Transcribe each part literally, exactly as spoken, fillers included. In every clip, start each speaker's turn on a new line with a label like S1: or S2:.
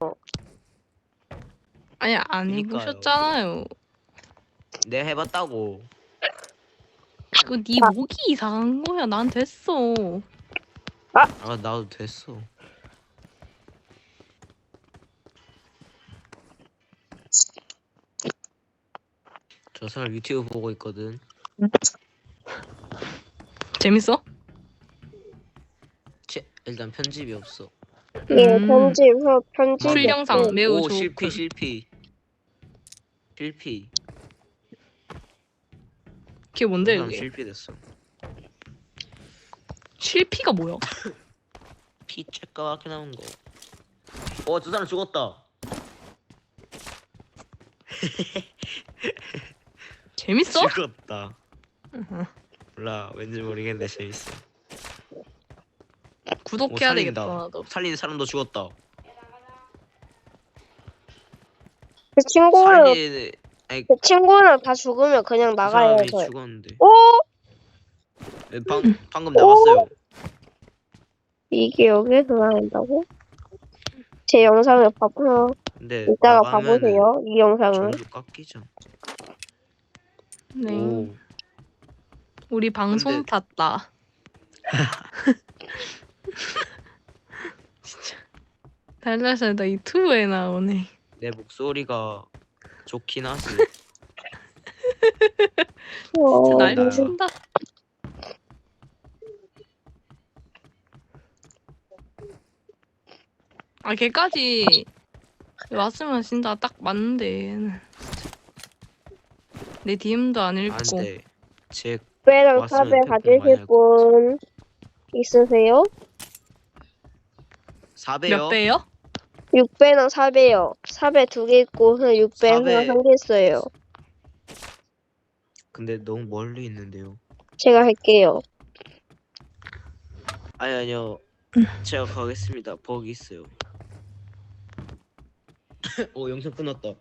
S1: 아니 안
S2: 그니까요.
S1: 해보셨잖아요.
S2: 내가 해봤다고.
S1: 그거 네 목이 이상한 거야. 난 됐어.
S2: 아 나도 됐어. 저 사람 유튜브 보고 있거든.
S1: 재밌어?
S2: 치, 일단 편집이 없어.
S3: 예,
S1: 음.
S3: 편집 후 편집.
S1: 출 영상 매우
S2: 오
S1: 좋고.
S2: 실패 실패 실패.
S1: 그게 뭔데
S2: 저 사람
S1: 그게?
S2: 실패됐어.
S1: 실피가 뭐야?
S2: 피 쬐까맣게 나온 거. 어 저 사람 죽었다.
S1: 재밌어?
S2: 죽었다. 몰라 왠지 모르겠는데 재밌어.
S1: 구독해야
S2: 오,
S1: 되겠다
S2: 살린다.
S1: 나도.
S2: 살리는 사람도 죽었다.
S3: 그 친구는
S2: 살리는 아니
S3: 그 친구는 다 죽으면 그냥
S2: 그
S3: 나가야
S2: 사람이
S3: 해서.
S2: 죽었는데.
S3: 오,
S2: 에, 방 방금 나갔어요.
S3: 이게 여기서 나온다고? 제 영상을 봐보세요.
S2: 근데
S3: 이따가
S2: 나가면은
S3: 봐보세요. 이 영상을.
S2: 점수 깎이죠.
S1: 네.
S2: 오
S1: 우리 방송
S2: 근데-
S1: 탔다. 진짜 달라살다 유튜브에 나오네.
S2: 내 목소리가 좋긴 하지.
S3: 어,
S1: 진짜 날
S2: 나-
S1: 미친다. 아 걔까지 왔으면 진짜 딱 맞는데 얘는 진짜. 내 디엠도 안 읽고.
S2: 안돼. 제
S3: 육배랑
S2: 왔으면
S3: 사배
S2: 팩폭 많이
S3: 가지실
S2: 할
S3: 분 있으세요?
S2: 사배요.
S1: 몇 배요?
S3: 육배랑 사배요. 사배 두 개 있고 육배 하나
S2: 사배.
S3: 한 개 있어요.
S2: 근데 너무 멀리 있는데요.
S3: 제가 할게요.
S2: 아니 아니요. 제가 가겠습니다. 버기 있어요. 오 영상 끊었다.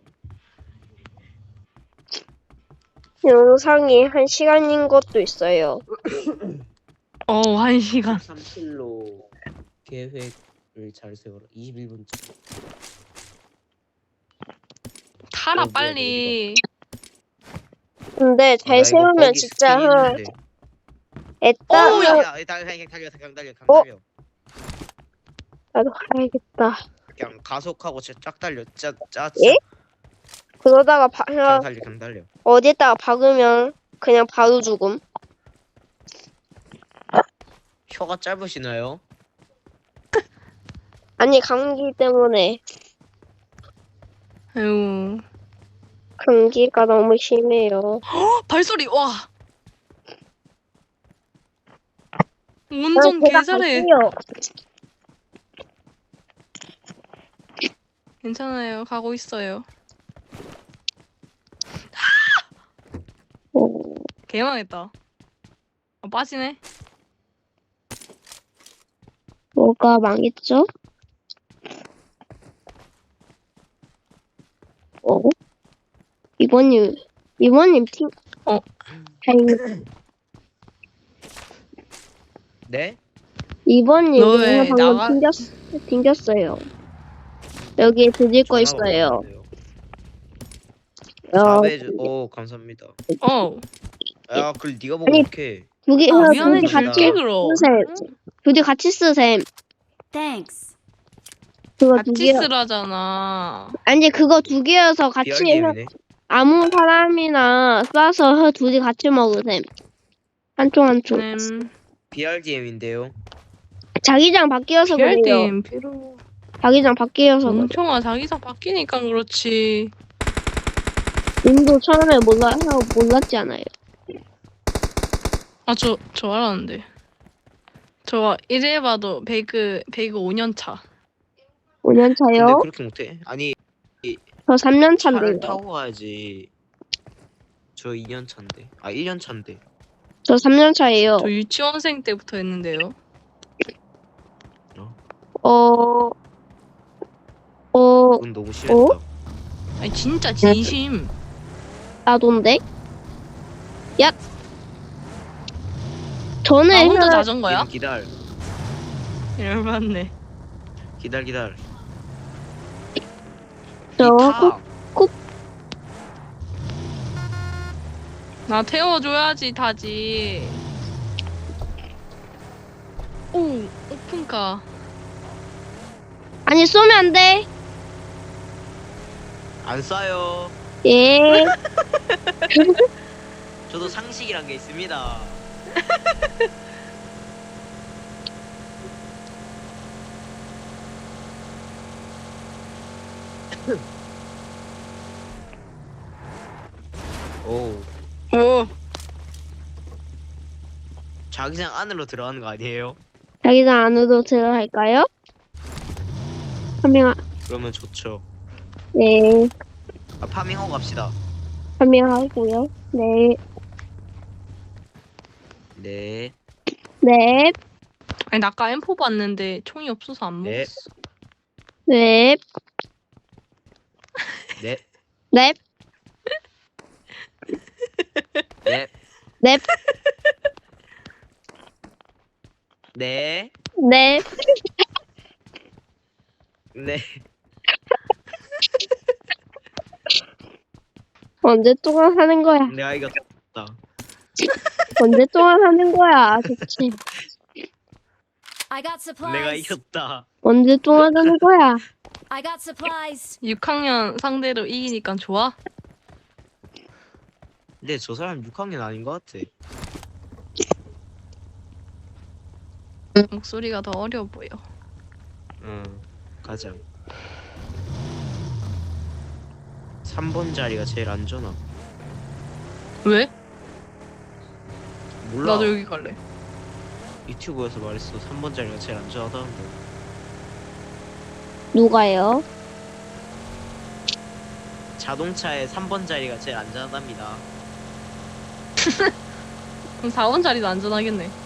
S3: 영상이 한 시간인 것도 있어요.
S1: 어, 한 시간.
S2: 삼 킬로 계획을 잘 세워라. 이십일 분째.
S1: 타라
S2: 어, 뭐야,
S1: 빨리.
S3: 근데 잘 세우면 진짜 한 애따.
S1: 오,
S2: 야, 야, 달려, 그냥 달려, 그냥 달려, 그냥
S3: 어?
S2: 달려.
S3: 나도 가야겠다.
S2: 그냥 가속하고 진짜 쫙 달려, 짜, 짜, 짜.
S3: 예? 그러다가 바,
S2: 그냥 달려, 그냥 달려.
S3: 어디에다가 박으면 그냥 바로 죽음.
S2: 혀가 짧으시나요?
S3: 아니 감기 때문에.
S1: 아유.
S3: 감기가 너무 심해요.
S1: 발소리 와.
S3: 아,
S1: 운전
S3: 제가
S1: 개잘해.
S3: 갈게요.
S1: 괜찮아요. 가고 있어요.
S3: 어,
S1: 개망했다. 아, 빠지네.
S3: 뭐가 망했죠? 어? 이번님, 이번님 팀,
S1: 어.
S3: 다행히
S2: 네?
S3: 이번님
S1: 너왜
S3: 방금
S1: 나가-
S3: 튕겼, 튕겼어요. 여기에 드릴 거
S2: 전화가
S3: 있어요.
S2: 왔는데요.
S3: 어,
S2: 사배 주... 오 감사합니다.
S1: 어.
S2: 야, 그걸 네가 보고
S3: 아니,
S2: 이렇게.
S3: 두 개,
S1: 아,
S3: 두
S1: 미안해.
S3: 개
S2: 같이
S1: 줄게
S3: 같이
S1: 그럼.
S3: 쓰셈. 두 개 같이 쓰셈.
S4: Thanks.
S3: 그거 두
S1: 같이
S3: 개,
S1: 쓰라잖아.
S3: 아니, 그거 두 개여서 같이 해.
S2: 비알디엠이네.
S3: 아무 사람이나 쏴서 둘이 같이 먹으셈. 한쪽 한쪽.
S1: 음.
S2: 비알디엠인데요.
S3: 자기장 바뀌어서 그래요.
S1: 피알팀 필요.
S3: 자기장 바뀌어서 그래.
S1: 멍청아 자기장 바뀌니까 그렇지.
S3: 님도 처음에 몰라 몰랐지 않아요.
S1: 아 저 저 알았는데. 저 이래봐도 배그 배그 오 년 차.
S3: 오 년
S2: 근데
S3: 차요?
S2: 그렇게 못해? 아니
S3: 저 삼 년
S2: 차를
S3: 차인데요.
S2: 타고 가야지. 저 이 년 차인데. 아 일 년 차인데.
S3: 저 삼 년 차예요.
S1: 저 유치원생 때부터 했는데요.
S3: 어, 어,
S2: 그건 너무 심했다.
S1: 아니 진짜 진심.
S3: 나돈데? 야! 저는
S1: 나 혼자
S3: 그-
S1: 자전거야?
S2: 얘는 기다려.
S1: 열받네.
S2: 기다려 기다려.
S3: 저
S2: 타.
S1: 나 태워줘야지 타지. 오 오픈카.
S3: 아니 쏘면 안 돼.
S2: 안 쏴요.
S3: 예.
S2: 저도 상식이란 게 있습니다. 오,
S1: 오.
S2: 자기장 안으로 들어가는 거 아니에요?
S3: 자기장 안으로 들어갈까요? 파밍하,
S2: 그러면 좋죠.
S3: 네.
S2: 아, 파밍하고 갑시다.
S3: 파밍하고요. 네.
S2: 네,
S3: 네.
S1: 아니 나 아까 엠포 봤는데 총이 없어서 안
S2: 네.
S1: 먹었어.
S3: 네.
S2: 네,
S3: 네.
S2: 네,
S3: 네.
S2: 네,
S3: 네.
S2: 네.
S3: 언제 동안 하는 거야?
S2: 내가 이겼다.
S3: 언제 동안 하는 거야? 좋지.
S4: I got
S2: 내가
S4: supplies.
S2: 이겼다.
S3: 언제 동안 하는 거야?
S4: I got supplies.
S1: 육 학년 상대로 이기니까 좋아?
S2: 근데 저 사람 육 학년 아닌 것 같아.
S1: 목소리가 더 어려 보여.
S2: 응, 가자. 삼 번 자리가 제일 안전하.
S1: 왜?
S2: 몰라.
S1: 나도 여기 갈래.
S2: 유튜브에서 말했어. 삼 번 자리가 제일 안전하다는데.
S3: 누가요?
S2: 자동차의 삼 번 자리가 제일 안전하답니다.
S1: 그럼 사 번 자리도 안전하겠네.